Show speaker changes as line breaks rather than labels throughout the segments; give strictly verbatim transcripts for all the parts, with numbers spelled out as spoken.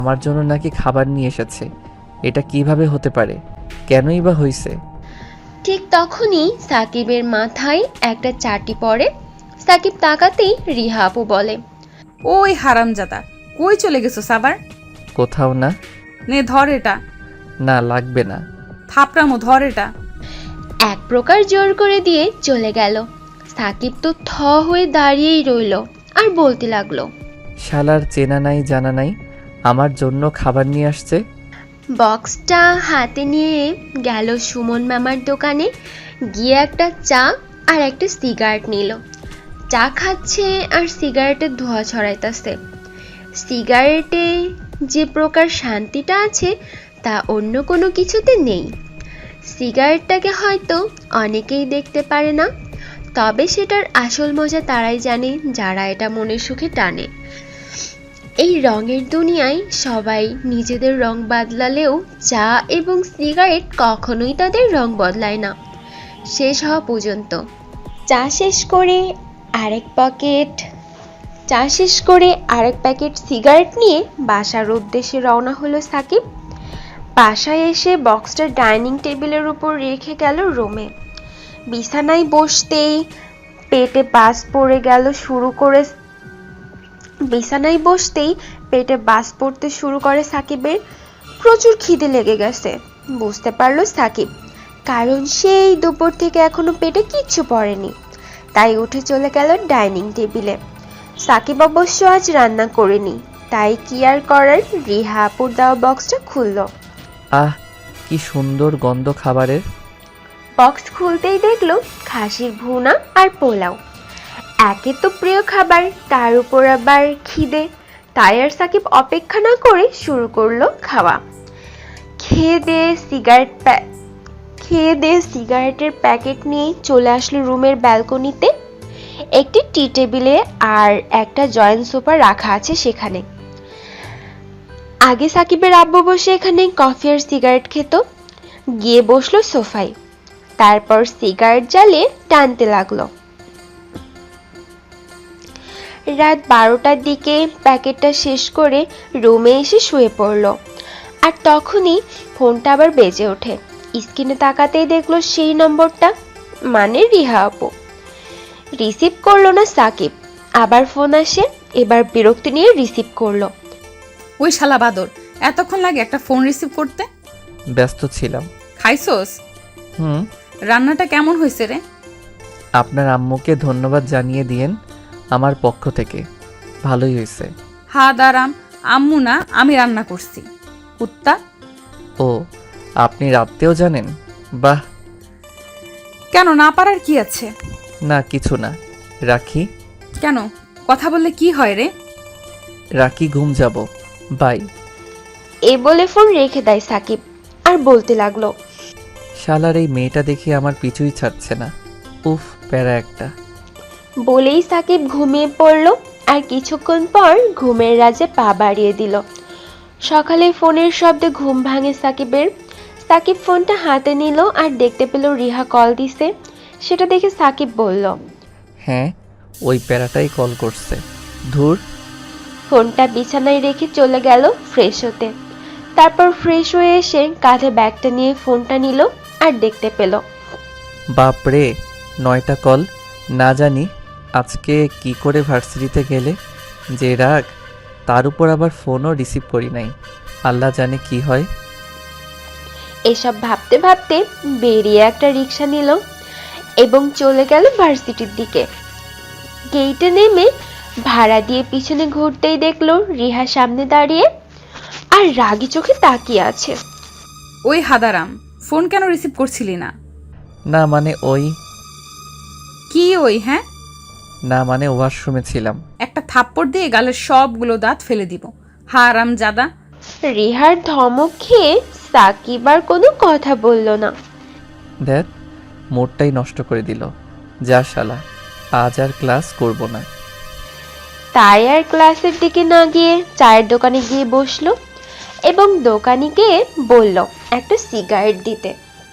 আমার জন্য নাকি খাবার নিয়ে এসেছে। এটা কিভাবে হতে পারে? কেনই বা হইছে?
ঠিক তখনই সাকিবের মাথায় একটা চাটি পড়ে। সাকিব তাকাতেই রিহা আপু বলে,
ওই হারামজাদা, কই চলে গেছো সাবার?
কোথাও না।
নে ধর এটা।
না, লাগবে না।
থাপড়ামো, ধর এটা।
এক প্রকার জোর করে দিয়ে চলে গেল। সাকিব তো থ হয়ে দাঁড়িয়েই রইল আর বলতে লাগলো,
শালার চেনা নাই জানা নাই, আমার জন্য খাবার নিয়ে আসছে।
বক্সটা হাতে নিয়ে গেল সুমন মামার দোকানে, গিয়ে একটা চা আর একটা সিগারেট নিল। চা খাচ্ছে আর সিগারেটের ধোঁয়া ছড়াইতেছে। সিগারেটে যে প্রকার শান্তিটা আছে তা অন্য কোনো কিছুতে নেই। সিগারেটটাকে হয়তো অনেকেই দেখতে পারে না, তবে সেটার আসল মজা তারাই জানে যারা এটা মনের সুখে টানে। এই রঙের দুনিয়ায় সবাই নিজেদের রং বদলালেও চা এবং সিগারেট কখনোই তাদের রং বদলায় না শেষ হওয়া পর্যন্ত। চা শেষ করে আরেক প্যাকেট চা শেষ করে আরেক প্যাকেট সিগারেট নিয়ে বাসার উদ্দেশ্যে রওনা হলো সাকিব। বাসায় এসে বক্সটা ডাইনিং টেবিলের উপর রেখে গেল রুমে। বিছানায় বসতেই পেটে বাস পড়ে গেল শুরু করে বিছানায় বসতেই পেটে বাস পড়তে শুরু করে সাকিবের। প্রচুর খিদে লেগে গেছে বুঝতে পারলো সাকিব, কারণ সেই দুপুর থেকে এখনো পেটে কিচ্ছু পড়েনি। তাই উঠে চলে গেল ডাইনিং টেবিলে। সাকিব অবশ্য আজ রান্না করেনি, তাই কি আর করার, রিহা আপুর দেওয়া বক্সটা খুলল।
আহ, কি সুন্দর গন্ধ খাবারের।
বক্স খুলতেই দেখলো খাসির ভুনা আর পোলাও। একে তো প্রিয় খাবার, তার উপর আবার খিদে, তাই আর সাকিব অপেক্ষা না করে শুরু করলো খাওয়া। খেয়ে দিয়ে সিগারেট খেয়ে দিয়ে সিগারেটের প্যাকেট নিয়ে চলে আসলো রুমের ব্যালকনিতে। একটি টি টেবিলে আর একটা জয়েন্ট সোফা রাখা আছে সেখানে। আগে সাকিবের আব্বু বসে এখানে কফি আর সিগারেট খেত, গিয়ে বসলো সোফায়। তারপর সিগারেট জ্বালিয়ে টানতে লাগলো। রাত বারোটার দিকে প্যাকেটটা শেষ করে রুমে এসে শুয়ে পড়ল। আর তখনই ফোনটা আবার বেজে ওঠে। স্ক্রিনে তাকাতেই দেখলো সেই নম্বরটা, মানে রিহা আপু। রিসিভ করলো না সাকিব, আবার ফোন আসে, এবার বিরক্তি নিয়ে রিসিভ করলো।
ওই শালা বাদর, এতক্ষণ লাগে একটা ফোন রিসিভ করতে?
ব্যস্ত ছিলাম।
খাইছোস?
হুম।
রান্নাটা কেমন হয়েছে রে?
আপনার আম্মুকে ধন্যবাদ জানিয়ে দিয়েন আমার পক্ষ থেকে, ভালোই হয়েছে।
হা দারাম, আম্মু না, আমি রান্না করছি কুত্তা।
ও, আপনি রাত্রেও জানেন? বাহ।
কেন, না পারার কি আছে?
না, কিছু না, রাখি।
কেন, কথা বললে কি হয় রে?
রাখি, ঘুম যাব, বাই।
এ বলে ফোন রেখে দেয় সাকিব আর বলতে লাগলো,
শালার এই মেয়েটা দেখে আমার পিছুই ছাড়ছে না। উফ, প্যারা একটা।
বলেই সাকিব ঘুমিয়ে পড়ল। আর কিছুক্ষণ পর ঘুমের রাজে পা বাড়িয়ে দিল। সকালে ফোনের শব্দে ঘুম ভাঙে সাকিবের। সাকিব ফোনটা হাতে নিল আর দেখতে পেল রিহা কল দিছে। সেটা দেখে সাকিব বলল,
হ্যাঁ, ওই প্যারাটাই কল করছে। ধুর।
ফোনটা বিছানায় রেখে চলে গেল ফ্রেশ হতে। তারপর ফ্রেশ হয়ে এসে কাঁধে ব্যাগটা নিয়ে ফোনটা নিল আর দেখতে পেল,
বাপরে, নয়টা কল। না জানি আজকে কি করে ভার্সিটিতে গেলে যে রাগ, তার উপর আবার ফোনও রিসিভ করি নাই। আল্লাহ জানে কি হয়।
এসব ভাবতে ভাবতে বেরিয়ে একটা রিক্সা নিল এবং চলে গেল ভার্সিটির দিকে। গেইটে নেমে ভাড়া দিয়ে পিছনে ঘুরতেই দেখলো রিহা সামনে দাঁড়িয়ে আর রাগী চোখে তাকিয়ে আছে।
ওই হাদারাম, ফোন কেন রিসিভ করছিলি না?
না মানে ওই
কি ওই? হ্যাঁ,
না মানে ওয়াশরুমে ছিলাম।
একটা থাপ্পড় দিয়ে গালের সবগুলো দাঁত ফেলে দিব, হারাম জাদা।
রিহার ধমক খেয়ে সাকিব আর কোনো কথা বলল না।
দেখ, মোডটাই নষ্ট করে দিল। যা শালা, আজ আর ক্লাস করব না।
তাই আর ক্লাসের দিকে না গিয়ে চায়ের দোকানে গিয়ে বসলো এবং দোকানে গিয়ে বলল একটা সিগারেট দিতে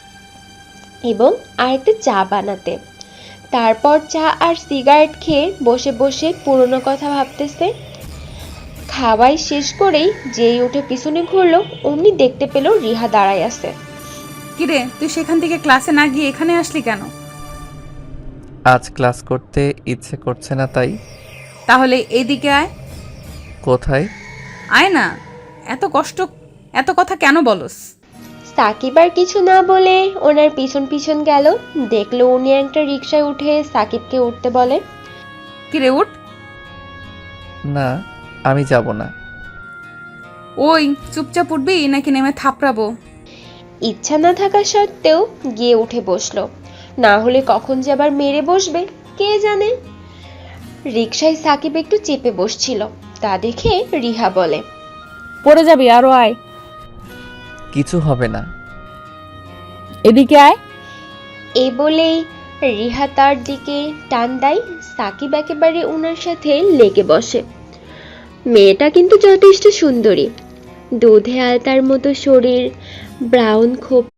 এবং আরেকটা চা বানাতে। তারপর চা আর সিগারেট খেয়ে বসে বসে পুরনো কথা ভাবতেছে। খাওয়াই শেষ করেই যেই উঠে পিছনে ঘুরলো অমনি দেখতে পেল রিহা দাঁড়ায় আছে।
কিরে, তুই সেখান থেকে ক্লাসে না গিয়ে এখানে আসলি কেন?
আজ ক্লাস করতে ইচ্ছে করছে না তাই।
তাহলে এইদিকে আয়।
কোথায়?
আয় না, এত কষ্ট, এত কথা কেন বলস?
সাকিব আর কিছু না বলে ওনার পিছন পিছন গেল। দেখলো উনি একটা রিকশায় উঠে সাকিবকে উঠতে বলে।
কিরে উঠ।
না, আমি যাব না।
ওই চুপচাপ উঠবি নাকি নেমে থাপড়াবো?
ইচ্ছা না থাকা সত্ত্বেও গিয়ে উঠে বসলো, না হলে কখন যে আবার মেরে বসবে কে জানে। রিকশায় সাকিব একটু চেপে বসছিল, তা দেখে রিহা বলে,
পড়ে যাবি, আরো আয়।
কিছু হবে না।
এদিকে আয়।
এই বলেই রিহা তার দিকে টান দেয়। সাকিব একেবারে ওনার সাথে লেগে বসে। মেয়েটা কিন্তু যথেষ্ট সুন্দরী, দুধে আলতার মতো শরীর, ব্রাউন খোপ